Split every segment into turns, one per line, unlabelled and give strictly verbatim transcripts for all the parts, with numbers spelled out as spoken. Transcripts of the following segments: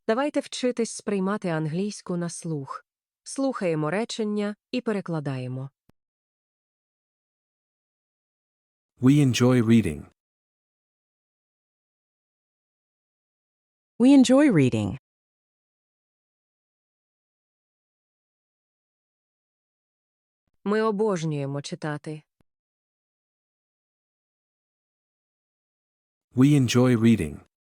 Давайте вчитись сприймати англійську на слух. Слухаємо речення і перекладаємо.
We enjoy reading.
We enjoy reading.
Ми обожнюємо читати.
We enjoy reading.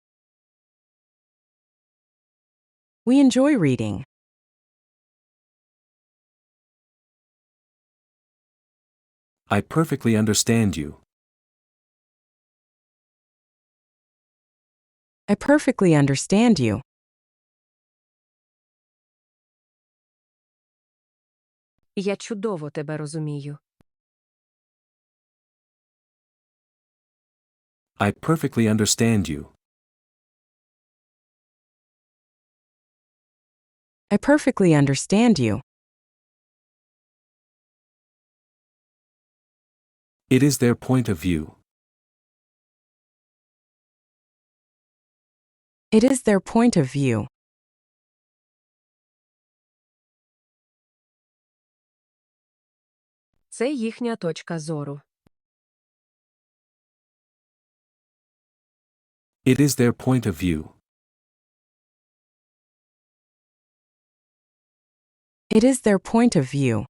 We enjoy reading.
I perfectly understand you.
I perfectly understand you.
Я чудово тебе розумію.
I perfectly understand you.
I perfectly understand you.
It is their point of view.
It is their point of view.
Це їхня точка зору.
It is their point of view.
It is their point of view.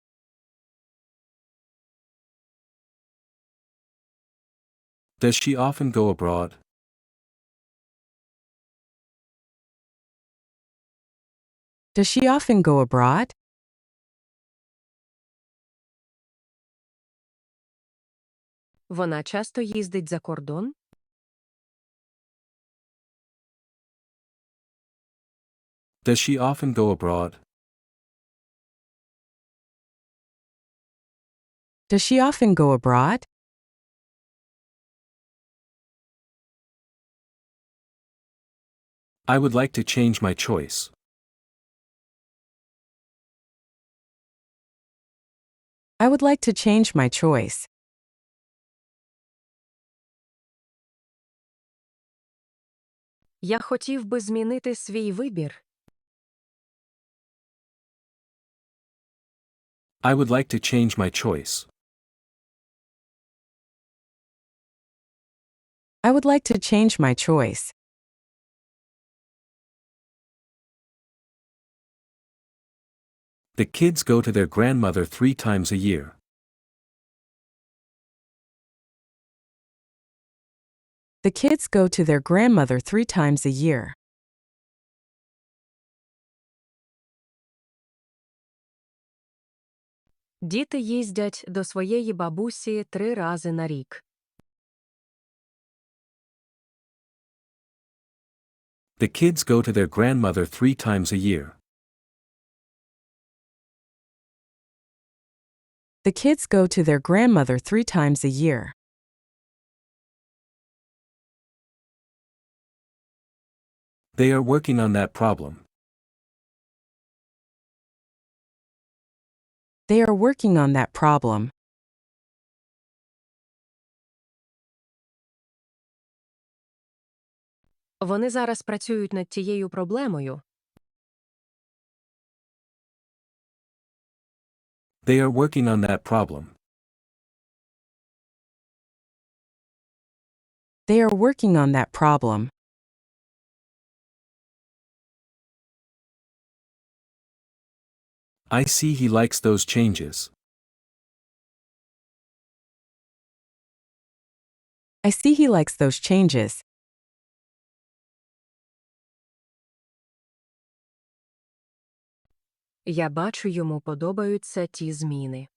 Does she often go abroad?
Does she often go abroad?
Вона часто їздить за кордон?
Does she often go abroad?
Does she often go abroad?
I would like to change my choice.
I would like to change my choice.
Я хотів би змінити свій вибір.
I would like to change my choice.
I would like to change my choice.
The kids go to their grandmother three times a year.
The kids go to their grandmother three times a year.
Діти їздять до своєї бабусі три рази на рік.
The kids go to their grandmother three times a year.
The kids go to their grandmother three times a year.
They are working on that problem.
They are working on that problem.
Вони зараз працюють над тією проблемою.
They are working on that problem.
They are working on that problem.
I see he likes those changes.
I see he likes those changes.
Я бачу, йому подобаються ті зміни.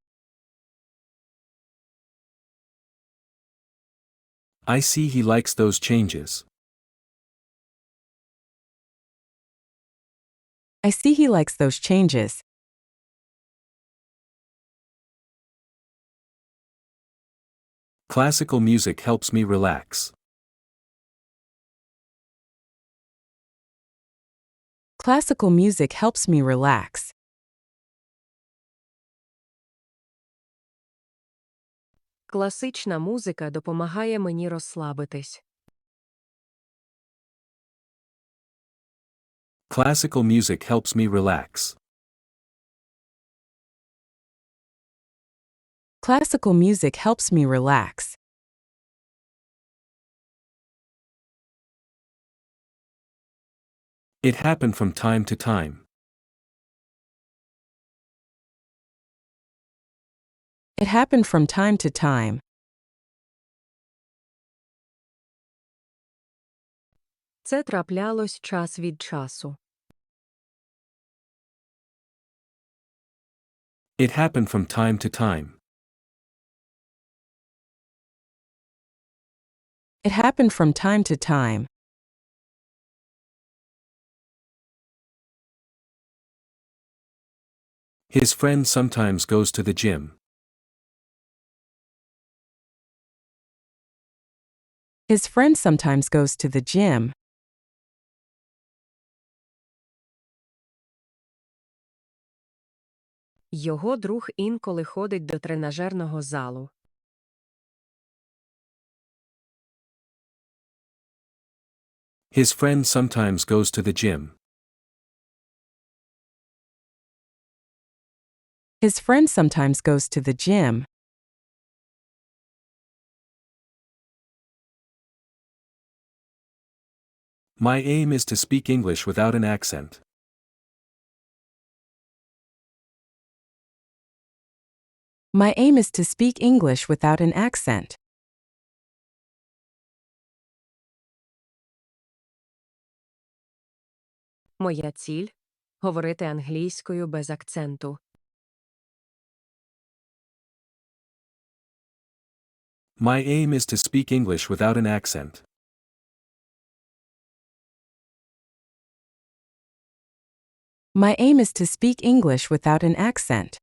I see he likes those changes.
I see he likes those changes.
Classical music helps me relax.
Classical music helps me relax.
Класична музика допомагає мені розслабитись.
Classical music helps me relax.
Classical music helps me relax.
It happened from time to time.
It happened from time to time.
Це траплялось час від часу.
It happened from time to time.
It happened from time to time.
His friend sometimes goes to the gym.
His friend sometimes goes to the gym.
Його друг інколи ходить до тренажерного залу.
His friend sometimes goes to the gym.
His friend sometimes goes to the gym.
My aim is to speak English without an accent.
My aim is to speak English without an accent.
Моя ціль – говорити англійською без акценту.
My aim is to speak English without an accent.
My aim is to speak English without an accent.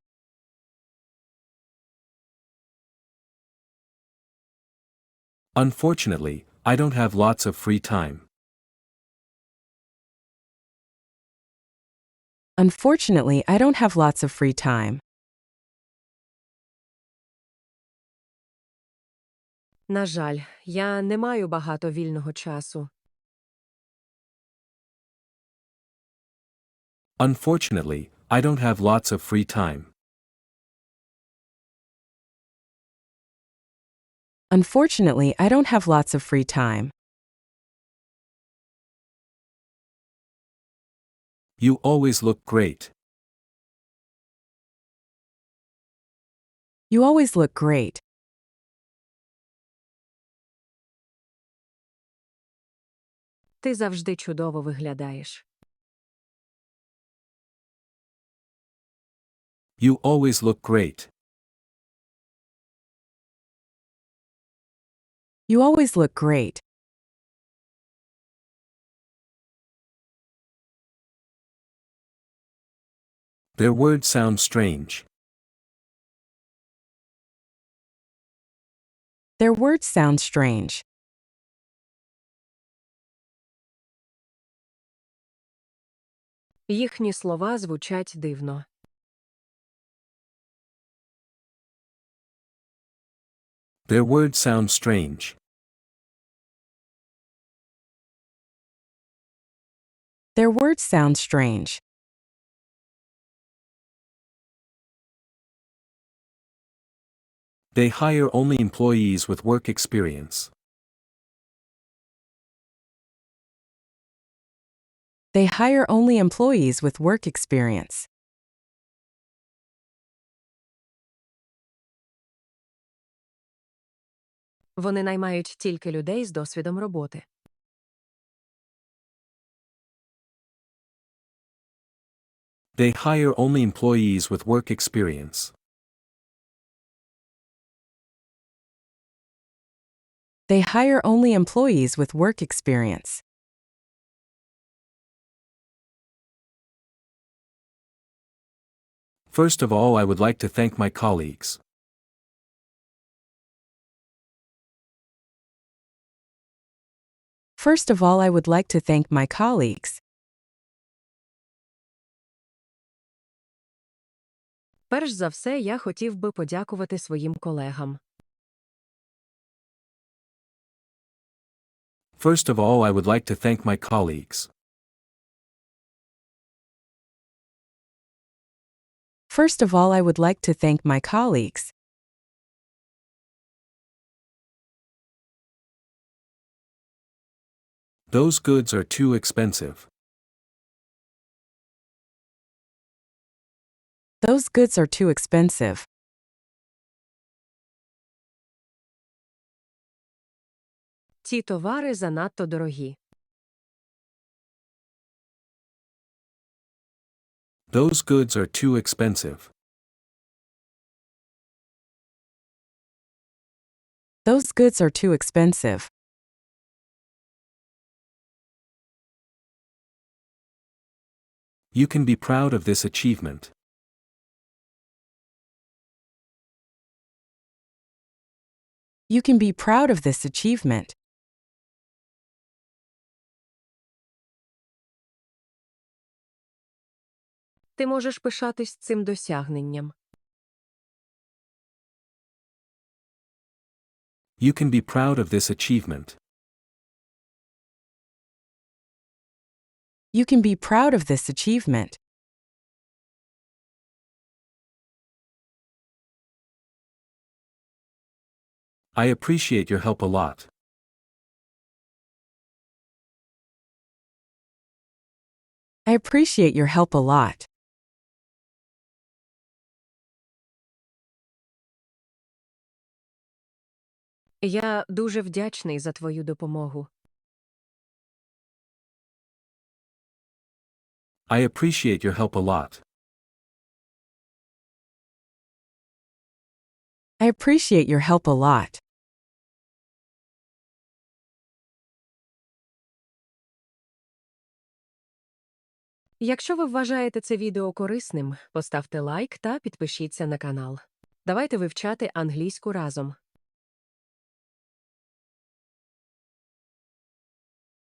Unfortunately, I don't have lots of free time.
Unfortunately, I don't have lots of free time.
На жаль, я не маю багато вільного часу.
Unfortunately, I don't have lots of free time.
Unfortunately, I don't have lots of free time.
You always look great.
You always look great.
Ти завжди чудово виглядаєш.
You always look great.
You always look great.
Their words sound strange.
Their words sound strange.
Їхні слова звучать дивно.
Their words sound strange.
Their words sound strange.
They hire only employees with work experience.
They hire only employees with work experience.
Вони наймають тільки людей з досвідом роботи.
They hire only employees with work experience.
They hire only employees with work experience.
First of all, I would like to thank my colleagues.
First of all, I would like to thank my colleagues.
Перш за все, я хотів би подякувати своїм колегам.
First of all, I would like to thank my colleagues.
First of all, I would like to thank my colleagues.
Those goods are too expensive.
Those goods are too expensive.
Ці товари занадто дорогі.
Those goods are too expensive.
Those goods are too expensive.
You can be proud of this achievement.
You can be proud of this achievement.
Ти можеш пишатись цим досягненням.
You can be proud of this achievement.
You can be proud of this achievement.
I appreciate your help a lot.
I appreciate your help a lot.
Я дуже вдячний за твою допомогу.
I appreciate your help a lot.
I appreciate your help a lot.
Якщо ви вважаєте це відео корисним, поставте лайк та підпишіться на канал. Давайте вивчати англійську разом.